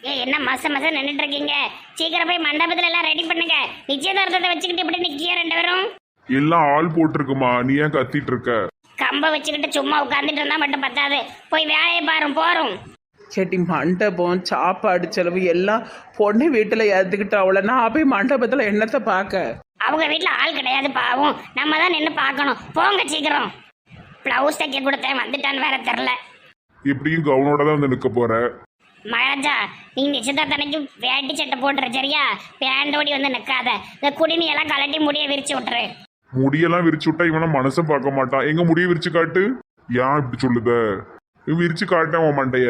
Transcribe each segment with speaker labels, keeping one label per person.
Speaker 1: என்ன மாசம் நின்றுட்டு இருக்கீங்க? சீக்கிரம் போய் மண்டபத்துல எல்லாம் ரெடி பண்ணுங்க. நிச்சயதார்த்தத்தை வச்சுக்கிட்டு இப்படி நிக்கிய ரெண்டு பேரும்.
Speaker 2: எல்லாம் ஆள் போட்டிருக்குமா, நீ ஏன் கத்திட்டு இருக்க?
Speaker 1: கம்ப வச்சுக்கிட்டு சும்மா உட்காந்துட்டு இருந்தா மட்டும் பத்தாது, போய் வேலையை பாரும் போறோம்.
Speaker 3: செட்டி மண்டபம் சாப்பாடு செலவு எல்லாம் பொண்ணு வீட்டில் ஏற்றுக்கிட்டு அவளை நான் போய் மண்டபத்தில் என்னத்தை பார்க்க?
Speaker 1: அவங்க வீட்டுல ஆள் கிடையாது பாவம், நம்ம தான் நின்று பார்க்கணும். போங்க சீக்கிரம். பிளவுஸ் தைக்க கொடுத்தேன், வந்துட்டான்னு வேற தெரில.
Speaker 2: இப்படியும் கவுனோட தான் வந்து நிற்க போற.
Speaker 1: மகாராஜா, நீ நிச்சயதார்த்தனைக்கு வேட்டி சட்டை போட்டுரு சரியா? பேண்டோடி வந்து நிற்காத. இந்த குடிநீ எல்லாம் கலட்டி முடிய விரிச்சு விட்டுரு.
Speaker 2: முடியெல்லாம் விரிச்சு விட்டா இவனை மனசை பார்க்க மாட்டான். எங்க முடிய விரிச்சு காட்டு. ஏன் இப்படி சொல்லுத? விரிச்சு காட்டேன் உன் மண்டைய.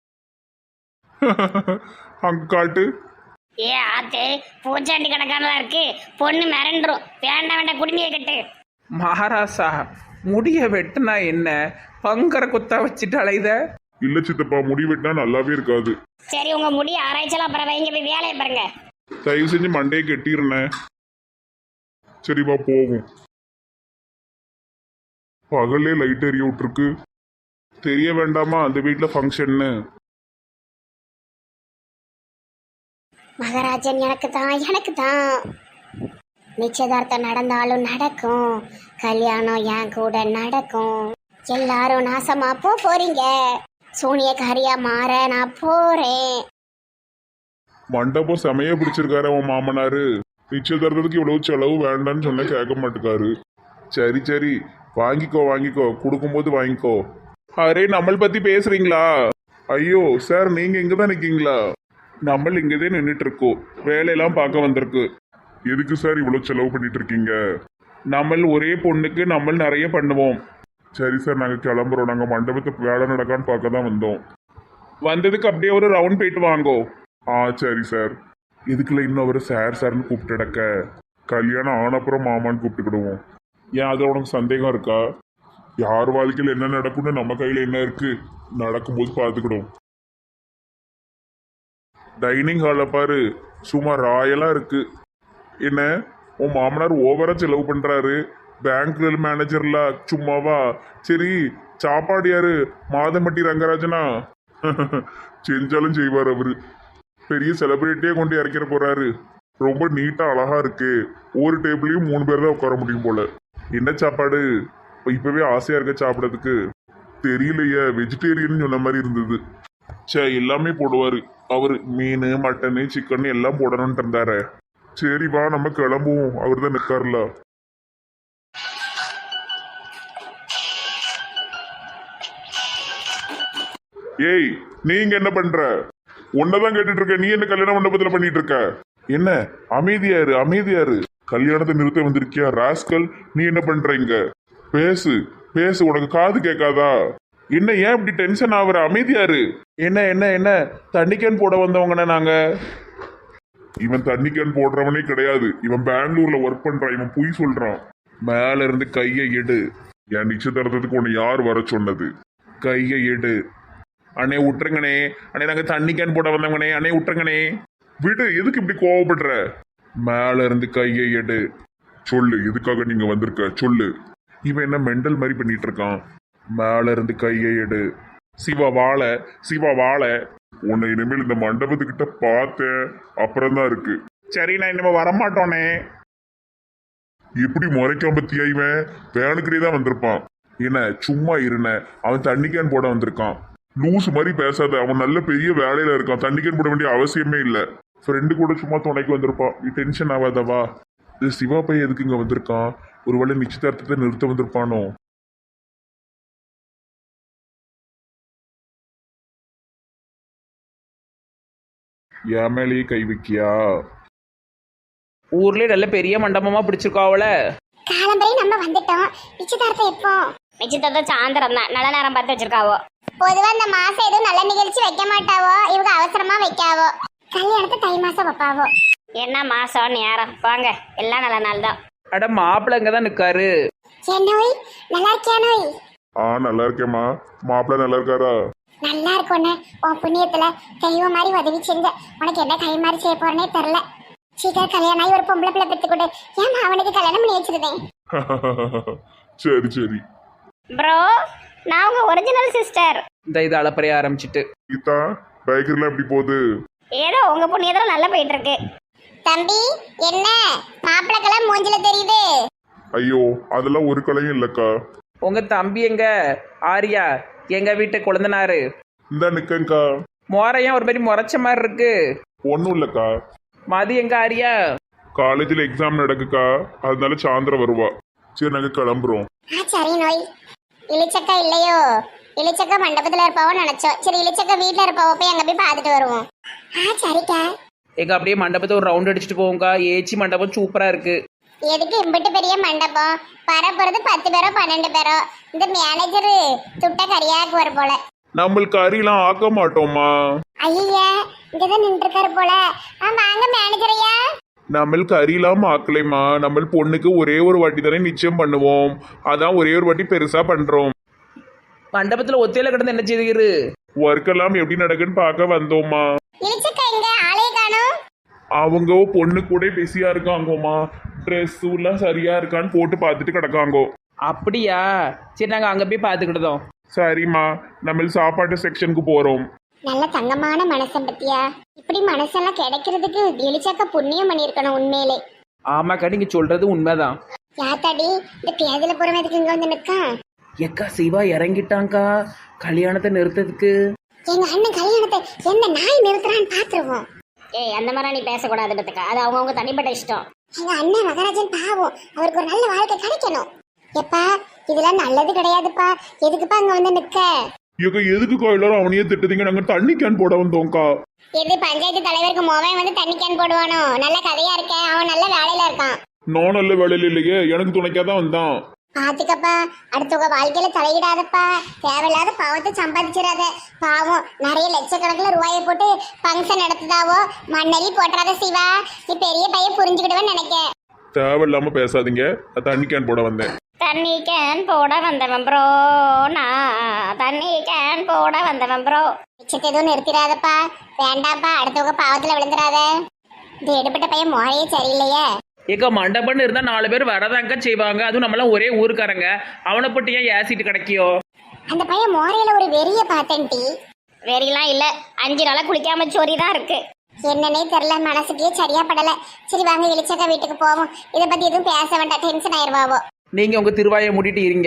Speaker 2: அங்க காட்டு.
Speaker 1: ஏ ஆத்தே, பூச்சாண்டி கணக்கானதா இருக்கு. பொண்ணு மிரண்டுரும். வேண்டாம் வேண்டாம், குடிநீரை கட்டு.
Speaker 3: மகாராசா, முடிய வெட்டுனா என்ன? பங்கர குத்தா வச்சுட்டு அலைத?
Speaker 2: இல்ல சித்தப்பா, முடி வெட்டினா நல்லாவே இருக்காது.
Speaker 1: சரி, உங்க முடி ஆராய்ச்சலாம் அப்புறம் வைங்க, போய் வேலையை பாருங்க.
Speaker 2: தயவு செஞ்சு மண்டையை கெட்டிருந்தேன். சரிப்பா போகும். பகல்லே லைட் எரிய விட்டுருக்கு. தெரிய வேண்டாமா அந்த வீட்டுல ஃபங்க்ஷன்னு?
Speaker 1: மகாராஜன் எனக்கு தான் நிச்சயதார்த்தம் நடந்தாலும் நடக்கும், கல்யாணம் என் கூட நடக்கும். எல்லாரும் நாசமா போறீங்க, சூனியக்காரியா மாற நான் போறேன்.
Speaker 2: மண்டபம் செமைய பிடிச்சிருக்காரு அவன் மாமனாரு. நிச்சயதார்த்தத்துக்கு இவ்வளவு செலவு வேண்டான்னு சொன்ன கேட்க மாட்டேக்காரு. சரி சரி, வாங்கிக்கோ, கொடுக்கும்போது வாங்கிக்கோ. அரே, நம்மளை பத்தி பேசுறீங்களா? ஐயோ சார், நீங்க இங்கதான் நிக்கீங்களா? நம்ம இங்கதான் நின்றுட்டு இருக்கோம், வேலையெல்லாம் பார்க்க வந்திருக்கு. எதுக்கு சார் இவ்வளவு செலவு பண்ணிட்டு இருக்கீங்க? நம்ம ஒரே பொண்ணுக்கு நம்ம நிறைய பண்ணுவோம். சரி சார், நாங்க கிளம்புறோம். நாங்க மண்டபத்துக்கு வேலை நடக்கான்னு பார்க்க தான் வந்தோம். வந்ததுக்கு அப்படியே ஒரு ரவுண்ட் போயிட்டு வாங்கோ. சரி சார். இதுக்குள்ள இன்னும் ஒரு சார்னு கூப்பிட்டுடக்க, கல்யாணம் ஆனப்புறம் மாமான்னு கூப்பிட்டுக்கிடுவோம். ஏன் அது உனக்கு சந்தேகம் இருக்கா? யார் வாழ்க்கையில் என்ன நடக்கும்னு நம்ம கையில் என்ன இருக்கு? நடக்கும்போது பார்த்துக்கிடும். டைனிங் ஹாலில் பாரு, சும்மா ராயலா இருக்கு. என்ன உன் மாமனார் ஓவரா செலவு பண்றாரு? பேங்க்ல மேனேஜர்ல சும்மாவா? சரி, சாப்பாடு யாரு? மாதம்பட்டி ரங்கராஜனா? செஞ்சாலும் செய்வார் அவரு. பெரிய செலிபிரிட்டியே கொண்டு இறக்கிற போறாரு. ரொம்ப நீட்டா அழகா இருக்கு. ஒரு டேபிளையும் 3 பேர் தான் உட்கார முடியும் போல. என்ன சாப்பாடு? இப்பவே ஆசையா இருக்க சாப்பிடறதுக்கு. தெரியலையே, வெஜிடேரியன் சொன்ன மாதிரி இருந்தது. எல்லாமே போடுவாரு அவரு. மீன், மட்டனு, சிக்கன் எல்லாம் போடணும்னு இருந்தாரு. சரி வா, நம்ம கிளம்புவோம். அவர் தான் நிக்காருல. ஏய், நீங்க என்ன பண்ற? உன்னதான் கேட்டுட்டு இருக்க. நீ என்ன கல்யாண மண்டபத்துல பண்ணிட்டு இருக்க? என்ன அமைதியாரு? கல்யாணத்தை நிறுத்த வந்திருக்கியா ராஸ்கல்? நீ என்ன பண்ற இங்க? பேசு, உனக்கு காது கேட்காதா? என்ன ஏன் இப்படி டென்ஷன் ஆகுற? அமைதியாரு. என்ன தண்ணி கேன் போட வந்தவங்கண்ணே நாங்க. இவன் தண்ணி கேன் போடுறவனே கிடையாது. இவன் பெங்களூர்ல ஒர்க் பண்றான். இவன் பொய் சொல்றான். மேல இருந்து கையை எடு. என் நிச்சயதார்த்தத்துக்கு உன்னை யார் வர சொன்னது? கையை எடு. அண்ணே விட்டுருங்கண்ணே. அண்ணே, நாங்க தண்ணி கேன் போட வந்தவங்கண்ணே. அண்ணே விட்டுருங்கண்ணே. விடு, எதுக்கு இப்படி கோவப்படுற? மேல இருந்து கையை எடு. சொல்லு, எதுக்காக நீங்க வந்திருக்க சொல்லு. இவன் என்ன மெண்டல் மாதிரி பண்ணிட்டு இருக்கான்? மேல இருந்து கையை எடு. சிவா வாழ. உன்னை இனிமேல் இந்த மண்டபத்துக்கிட்ட பார்த்தேன் அப்புறம் தான் இருக்கு. சரி, நான் இனிமே வரமாட்டோனே. எப்படி முறைக்காம பத்தியா? இவன் வேணுக்கிட்டே தான் வந்திருப்பான். என்ன சும்மா இருன? அவன் தண்ணி கேன் போட வந்திருக்கான். லூஸ் மாதிரி பேசாத. அவன் நல்ல பெரிய வேலையில இருக்கான். தண்ணி கேன் போட வேண்டிய அவசியமே இல்லை. ஃப்ரெண்டு கூட சும்மா துணைக்கு வந்திருப்பான். நீ டென்ஷன் ஆகாதவா? இது சிவா பையன் எதுக்கு இங்க வந்திருக்கான்? ஒருவேளை நிச்சயதார்த்தத்தை நிறுத்த வந்திருப்பானோ? என் மேலேயே கை வைக்கியா?
Speaker 3: ஊர்லயே நல்ல பெரிய மண்டபமா பிடிச்சிருக்கா அவளை.
Speaker 1: காலம்பரை நம்ம வந்துட்டோம். நிச்சயதார்த்தம் எப்போ? நிச்சயதார்த்தம் சாயந்தரம் தான். நல்ல நேரம் பார்த்து வச்சிருக்காவோ. பொதுவா இந்த மாசம் எதுவும் நல்ல நிகழ்ச்சி வைக்க மாட்டாவோ, இவங்க அவசரமா வைக்காவோ. கல்யாணத்தை தை மாசம் வைப்பாவோ. என்ன மாசம் நேரம்? வாங்க, எல்லாம் நல்ல நாள் தான்.
Speaker 3: அட, மாப்பிள்ளை இங்கதான் நிக்காரு.
Speaker 1: என்னோய், நல்லா இருக்கியா நோய்?
Speaker 2: நல்லா இருக்கேம்மா. மாப்பிள்ள நல்லா இருக்காரா?
Speaker 1: நல்லா இருக்கும்னு உன் புண்ணியத்துல தெய்வம் மாதிரி உதவி செஞ்ச. உனக்கு என்ன கை மாதிரி செய்ய போறேனே தெரியல. சீக்கிரம் கல்யாணம் ஆகி ஒரு பொம்பளை பிள்ளை பெற்று கொடு. ஏன் அவனுக்கு கல்யாணம் பண்ணி வச்சிருந்தேன்.
Speaker 2: சரி.
Speaker 1: ப்ரோ, நான் உங்க ஒரிஜினல் சிஸ்டர்.
Speaker 3: இந்த இது அளப்பறைய ஆரம்பிச்சிட்டு.
Speaker 2: கீதா, பைக்கர்லாம் எப்படி போகுது?
Speaker 1: ஏதோ உங்க புண்ணியத்துல நல்லா போயிட்டு இருக்கு. தம்பி என்ன மாப்பிளக்கெல்லாம் மூஞ்சில தெரியுது?
Speaker 2: ஐயோ அதெல்லாம் ஒரு கலையும் இல்லக்கா.
Speaker 3: உங்க தம்பி எங்க? ஆரியா எங்க வீட்டு குழந்தனாரு
Speaker 2: இந்த நிக்கங்கா.
Speaker 3: மோரையும் ஒரு மாதிரி முறைச்ச மாதிரி இருக்கு.
Speaker 2: ஒன்றும் இல்லக்கா,
Speaker 3: மதி எங்க ஆரியா?
Speaker 2: காலேஜில் எக்ஸாம் நடக்குக்கா, அதனால சாயந்தரம் வருவா. சரி நாங்கள் கிளம்புறோம்.
Speaker 1: சரி நோய். இளிச்சக்கா இல்லையோ? இளிச்சக்கா மண்டபத்துல இருப்பாவோ நினைச்சோம். சரி இளிச்சக்கா வீட்டுல இருப்பாவோ, போய் அங்க போய் பார்த்துட்டு வருவோம். சரிக்கா.
Speaker 3: எங்க அப்படியே மண்டபத்தை ஒரு ரவுண்ட் அடிச்சுட்டு போவோம்க்கா. ஏச்சி மண்டபம் சூப்பரா இருக்கு.
Speaker 1: எதுக்கு இம்பிட்டு பெரிய மண்டபம்? வரப்போறது 10 பேரோ 12 பேரோ. இந்த மேனேஜர் துட்ட கரியாக்கு வர போல.
Speaker 2: நம்மளுக்கு அரியெல்லாம் ஆக்க மாட்டோமா?
Speaker 1: ஐயா இங்கதான் நின்று இருக்காரு போல. வாங்க மேனேஜர் ஐயா.
Speaker 2: நம்மளுக்கு அரியெல்லாம் ஆக்கலைமா. நம்ம பொண்ணுக்கு ஒரே ஒரு வாட்டி தானே நிச்சயம் பண்ணுவோம், அதான் ஒரே ஒரு வாட்டி பெருசா பண்றோம்.
Speaker 3: மண்டபத்துல ஒத்தையில கிடந்து என்ன செய்யுது?
Speaker 2: ஒர்க் எல்லாம் எப்படி நடக்குன்னு பார்க்க வந்தோமா.
Speaker 1: இளிச்சக்கா எங்க ஆளே காணோம்?
Speaker 2: அவங்க பொண்ணு கூட பிஸியா இருக்காங்கோமா. ட்ரெஸ் எல்லாம் சரியா இருக்கான்னு போட்டு பார்த்துட்டு கிடக்காங்கோ.
Speaker 3: அப்படியா? சரி நாங்க அங்க போய் பார்த்துக்கிட்டோம்.
Speaker 2: சரிம்மா, நம்ம சாப்பாட்டு செக்ஷனுக்கு போறோம்.
Speaker 1: நல்ல தங்கமான மனசன் பத்தியா? இப்படி மனசெல்லாம் கிடைக்கிறதுக்கு இளிச்சக்கா புண்ணியம் பண்ணிருக்கணும் உண்மையிலே.
Speaker 3: ஆமாக்கா நீங்க சொல்றது உண்மைதான்.
Speaker 1: யாத்தாடி இந்த பேதில புறமேதுக்கு இங்க வந்து நிற்கா?
Speaker 3: எக்கா சிவா இறங்கிட்டாங்கக்கா கல்யாணத்தை நிறுத்ததுக்கு.
Speaker 1: எங்க அண்ணன் கல்யாணத்தை என்ன நாய் நிறுத்துறான்னு பாத்துருவோம். ஏய் அந்த மாதிரி நீ பேசக்கூடாது பத்துக்கா, அது அவங்கவுங்க தனிப்பட்ட இஷ்டம். எங்க அண்ணன் மகராஜன் பாவம், அவருக்கு ஒரு நல்ல வாழ்க்கை கிடைக்கணும். எப்பா இதெல்லாம் நல்லது கிடையாதுப்பா, எதுக்குப்பா அங்க வந்து நிக்க?
Speaker 2: எதுக்குக்கா எல்லாரும் அவனையே திட்டுதீங்க? நாங்க தண்ணி கேன் போட வந்தோம்க்கா.
Speaker 1: எது பஞ்சாயத்து தலைவருக்கு மோவன் வந்து தண்ணி கேன் போடுவானோ? நல்ல கதையா இருக்க, அவன் நல்ல வேலையில இருக்கான்.
Speaker 2: நான் நல்ல வேலையில இல்லையே, எனக்கு துணைக்காதான் வந்தான்.
Speaker 1: பாத்துக்கப்பா, அடுத்தவங்க வாழ்க்கையில தலையிடாதப்பா. தேவையில்லாத பாவத்தை சம்பாதிச்சிடாத. பாவம் நிறைய லட்சக்கணக்கில் ரூபாயை போட்டு ஃபங்க்ஷன் நடத்துதாவோ. மண்ணலி போட்டுறாத சிவா, நீ பெரிய பையன் புரிஞ்சுக்கிடுவேன்னு நினைக்க.
Speaker 2: தேவையில்லாம பேசாதீங்க, தண்ணி கேன் போட வந்தேன்.
Speaker 1: தண்ணி கேன் போட வந்தவன் ப்ரோ, நான் தண்ணி கேன் போட வந்தவன் ப்ரோ. மிச்சத்தை எதுவும் நிறுத்திடாதப்பா, வேண்டாம்ப்பா, அடுத்தவங்க பாவத்துல விழுந்துடாத. இந்த எடுப்பட்ட பையன் முறையே சரியில்லையே.
Speaker 3: ஏக்கா மண்டபம்னு இருந்தா 4 பேர் வரதாங்க செய்வாங்க, அதுவும் நம்மளாம் ஒரே ஊருக்காரங்க. அவனை போட்டு ஏன் ஏசிட்டு கிடைக்கியோ?
Speaker 1: அந்த பையன் மோரையில ஒரு வெறிய பார்த்தேன் டி. வெறியெல்லாம் இல்ல, 5 நாளா குளிக்காம சோரி தான் இருக்கு. என்னன்னே தெரியல, மனசுக்கே சரியா படல. சரி வாங்க இளிச்சக்கா வீட்டுக்கு போவோம். இதை பத்தி எதுவும் பேச வேண்டாம், டென்ஷன் ஆயிருவாவோ.
Speaker 3: நீங்க உங்க திருவாயை மூடிட்டு இருங்க.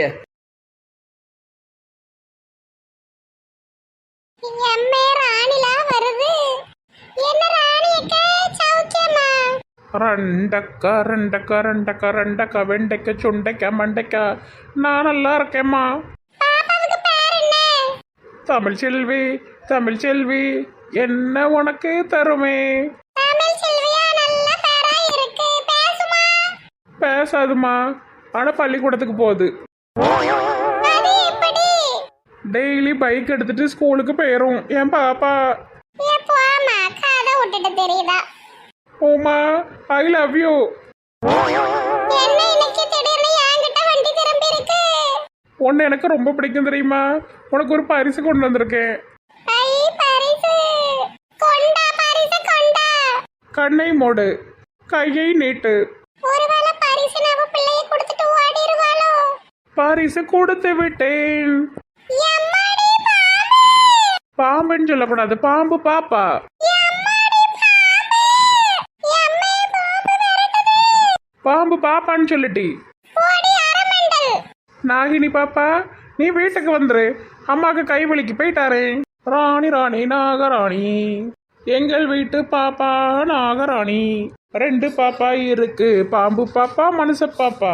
Speaker 1: எம்மே ராணிலா வருது. என்ன ராணி அக்கா சௌக்கியமா?
Speaker 3: ரெண்டக்கா ரெண்டக்கா ரெண்டக்கா ரெண்டக்கா வெண்டைக்கா சுண்டைக்கா மண்டைக்கா, நான் நல்லா இருக்கேம்மா.
Speaker 1: பாப்பாவுக்கு பேர் என்ன?
Speaker 3: தமிழ் செல்வி தமிழ் செல்வி என்ன உனக்கு தருமே.
Speaker 1: தமிழ் செல்வியா, நல்ல பேரா இருக்கு. பேசுமா?
Speaker 3: பேசாதுமா, ஆனா பள்ளிக்கூடத்துக்கு போகுது.
Speaker 1: அது எப்படி?
Speaker 3: டெய்லி பைக் எடுத்துட்டு ஸ்கூலுக்கு போயிரும் என் பாப்பா.
Speaker 1: போமா, கதை விட்டுட்டு தெரியுதா?
Speaker 3: ஓமா ஐ லவ் யூ.
Speaker 1: என்ன இன்னைக்கு திடீர்னு என்கிட்ட வண்டி திரும்பி இருக்கு?
Speaker 3: உன்னை எனக்கு ரொம்ப பிடிக்கும் தெரியுமா? உனக்கு ஒரு பரிசு கொண்டு வந்திருக்கேன்.
Speaker 1: ஐ பரிசு கொண்டா, பரிசு கொண்டா.
Speaker 3: கண்ணை மூடு, கையை நீட்டு.
Speaker 1: ஒருவேளை பரிசு நம்ம பிள்ளையை கொடுத்துட்டு ஓடிடுவாளோ?
Speaker 3: பரிசு கொடுத்து விட்டேன்.
Speaker 1: எம்மாடி பாம்பு!
Speaker 3: பாம்புன்னு சொல்லக்கூடாது, பாம்பு பாப்பா.
Speaker 1: எம்மாடி பாம்பு! எம்மே பாம்பு விரட்டுது.
Speaker 3: பாம்பு பாப்பான்னு சொல்லிட்டி.
Speaker 1: போடி அரமண்டல்.
Speaker 3: நாகினி பாப்பா, நீ வீட்டுக்கு வந்துரு, அம்மாக்கு கை வலிக்கு போயிட்டாரே. ராணி ராணி நாகராணி, எங்கள் வீட்டு பாப்பா நாகராணி. 2 பாப்பா இருக்கு, பாம்பு பாப்பா மனுஷ பாப்பா.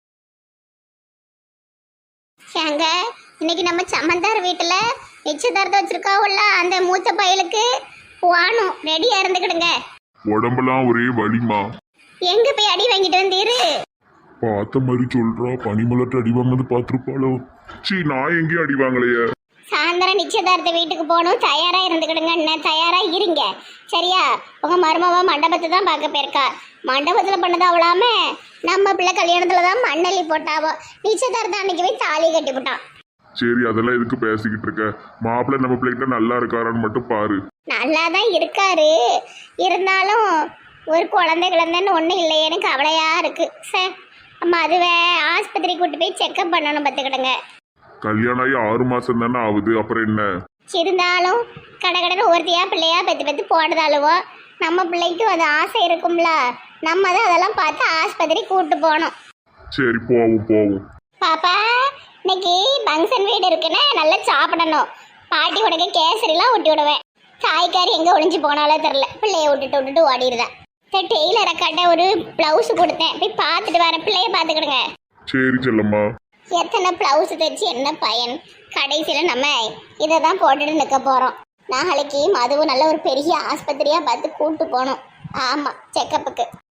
Speaker 1: ஏங்க இன்னைக்கு நம்ம சமந்தார் வீட்டுல நிச்சயதார்த்தம் வச்சிருக்காவுல்ல, அந்த மூத்த பயலுக்கு போகணும். ரெடியா இருந்துக்கிடுங்க.
Speaker 2: உடம்பெல்லாம் ஒரே வலிமா.
Speaker 1: எங்க போய் அடி வாங்கிட்டு வந்தீரு?
Speaker 2: பார்த்த மாதிரி சொல்றா, பனிமலர்ட்டு அடி வாங்கினது பார்த்துருப்பாளோ. சீ, நான் எங்கேயும் அடி வாங்கலையே.
Speaker 1: சாயந்தரம் நிச்சயதார்த்த வீட்டுக்கு போகணும், தயாரா இருந்துக்கிடுங்க. அண்ணன் தயாரா இருங்க சரியா? உங்க மருமவ மண்டபத்தை தான் பார்க்க போயிருக்கா. மண்டபத்துல பண்ணது அவளாம, நம்ம பிள்ளை கல்யாணத்துல தான் மண்ணள்ளி போட்டாவோ. நிச்சயதார்த்தம் அன்னைக்கு போய் தாலி கட்டி போட்டான்.
Speaker 2: சரி, அதெல்லாம் எதுக்கு பேசிக்கிட்டு இருக்க? மாப்பிள்ளை நம்ம பிள்ளைகிட்ட நல்லா இருக்காரான்னு மட்டும் பாரு.
Speaker 1: நல்லா தான் இருக்காரு, இருந்தாலும் ஒரு குழந்தைன்னு ஒன்றும் இல்லையேன்னு கவலையா இருக்கு சார். அம்மா அதுவே ஆஸ்பத்திரி கூட்டு போய் செக்அப் பண்ணணும் பார்த்துக்கிடுங்க.
Speaker 2: கல்யாணம் ஆகி 6 மாசம் தானே ஆகுது, அப்புறம் என்ன?
Speaker 1: இருந்தாலும் கடகடன்னு ஒருத்தையா பிள்ளையா பெற்று பெற்று போடுதாளுவோ நம்ம பிள்ளைக்கும் அது ஆசை இருக்கும்ல, நம்ம தான் அதெல்லாம் பார்த்து ஆஸ்பத்திரி கூட்டு போகணும்.
Speaker 2: சரி போவோம் போவோம்.
Speaker 1: பாப்பா இன்னைக்கு ஃபங்க்ஷன் வீடு இருக்குன்னு நல்லா சாப்பிடணும். பாட்டி உனக்கு கேசரிலாம் ஊட்டி விடுவேன். தாய்க்காரி எங்கே ஒளிஞ்சு போனாலோ தெரில, பிள்ளைய விட்டுட்டு ஓடிடுதேன். டெய்லரை கட்ட ஒரு ப்ளவுஸ் கொடுத்தேன், போய் பார்த்துட்டு வரேன். பிள்ளைய பார்த்துக்கிடுங்க.
Speaker 2: சரி செல்லம்மா.
Speaker 1: எத்தனை ப்ளவுஸ் தைச்சு என்ன பயன்? கடைசியில் நம்ம இதை தான் போட்டுட்டு நிற்க போகிறோம். நாளைக்கு மதுவும் நல்ல ஒரு பெரிய ஆஸ்பத்திரியாக பார்த்து கூப்பிட்டு போகணும். ஆமாம், செக்கப்புக்கு.